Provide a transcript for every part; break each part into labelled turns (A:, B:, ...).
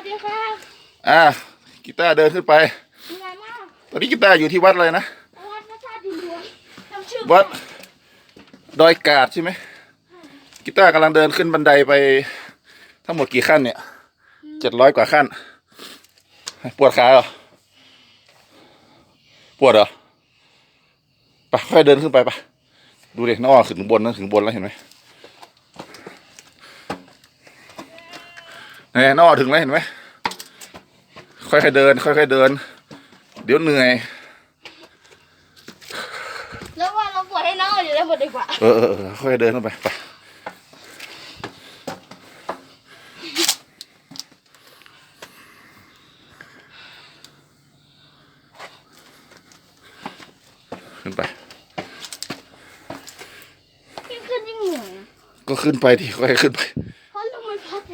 A: ดีครับ
B: กีตาร์เดินขึ้นไปตอนนี้กีตาร์อยู่ที่วัดอะไรนะ
A: วัดพระธาตุดินหลวงจำชื่อ
B: วัดดอยกาดใช่ไหมกีตาร์กำลังเดินขึ้นบันไดไปทั้งหมดกี่ขั้นเนี่ย700 กว่าขั้นปวดขาเหรอปวดเหรอไปค่อยเดินขึ้นไปปะดูดิน้องถึงบนนะถึงบนแล้วเห็นไหมเนี่ยน้องถึงแล้วเห็นไหมค่อยๆเดินค่อยๆเดินเดี๋ยวเหนื่อย
A: แล้วว่าเราปวดให้น้องอยู่ได้หมดดีกว่า
B: ค่อยๆเดินขึ้นไปไปขึ้นไป
A: ยิ่งขึ้นยิ่งเหนื่อย
B: ก็ขึ้นไปที่ค่อยๆขึ้นไป
A: เพราะลมมันพัด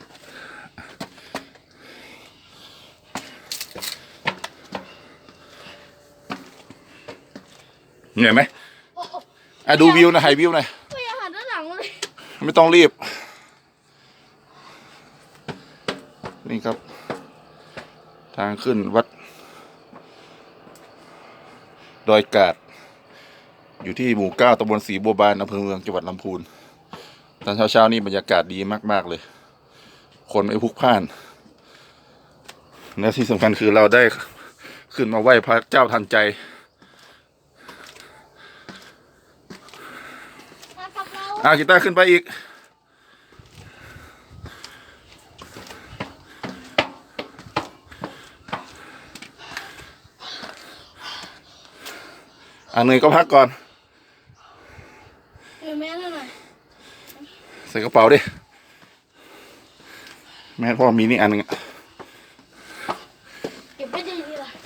B: เหนื่อยไหมดูวิวนะถ่ายวิวหน่อย
A: ไม่อยากหันด้านหลังเลย
B: ไม่ต้องรีบนี่ครับทางขึ้นวัดดอยกาดอยู่ที่หมู่ 9 ตำบลศรีบัวบานอำเภอเมืองจังหวัดลำพูนตอนเช้านี่บรรยากาศดีมากๆเลยคนไม่พลุกพล่านและที่สำคัญคือเราได้ขึ้นมาไหว้พระเจ้าทันใจกีตาร์ขึ้นไปอีกเหนื่อยก็พักก่อน
A: แม่หน่อย
B: ใส่กระเป๋าดิแม่พ่อมีนี่อันนึง
A: เก็บไว้ดีๆล่ะ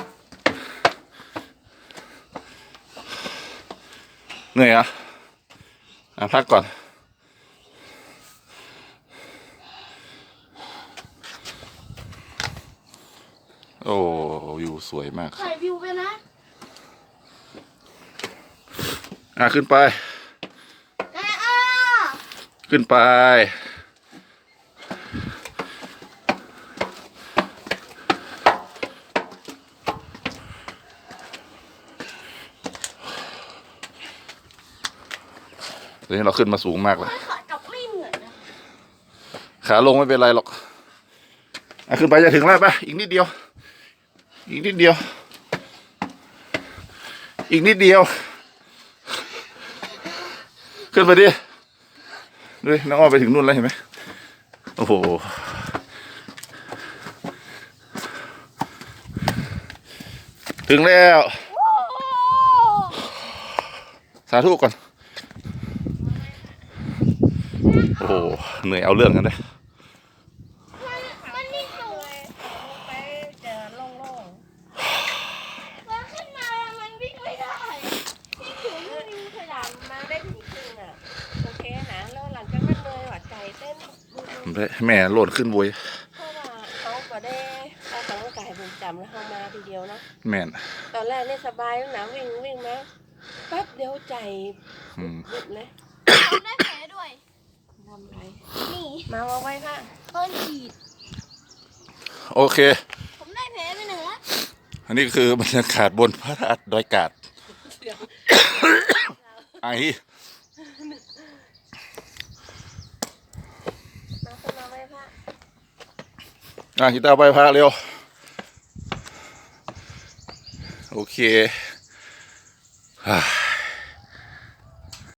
B: เหนื่อยพักก่อนโอ้วิวสวยมาก
A: ถ่ายวิวไปนะ
B: ขึ้นไปขึ้นไปตอนนี้เราขึ้นมาสูงมากเลย
A: ขากลับไม่เหนื่อยนะ
B: ขาลงไม่เป็นไรหรอกขึ้นไปจะถึงแล้วปะอีกนิดเดียวอีกนิดเดียวอีกนิดเดียวขึ้นไปดิดูน้องอ้อไปถึงนู่นแล้วเห็นไหมโอ้โหถึงแล้วสาธุก่อนโอ้โหเหนื่อยเอาเรื่องกันเลย
A: มันนี่สูงไปเจอโล่งๆแล้วขึ้นมามันวิ่งไม่ได้วิ่งถึงวิ่งขยับมาได้ถึงครึ่งโอเคนะแล้วหลังจากนั้นเลยหัวใจเต้น
B: แม่โหลดขึ้นบวย
A: เพราะว่าเขาก็ได้ออกกำลังกายประจำแล้วเขามาทีเดียวเนาะ
B: แม่
A: ตอนแรกเนี่ยสบายนะวิ่งมาแป๊บเดียวใจบุบเลยทำได้แผลด้วยทำไรนี่มาเอาไว้ค่ะฉีด
B: โอเค
A: ผมได้แผลไปหนึ่งแล้ว
B: อันนี้คือบรรยากาศบนพระธาตุดอยกาดไอ
A: มาไว้ค่ะ
B: กีตาร์ไปพระเร็วโอเค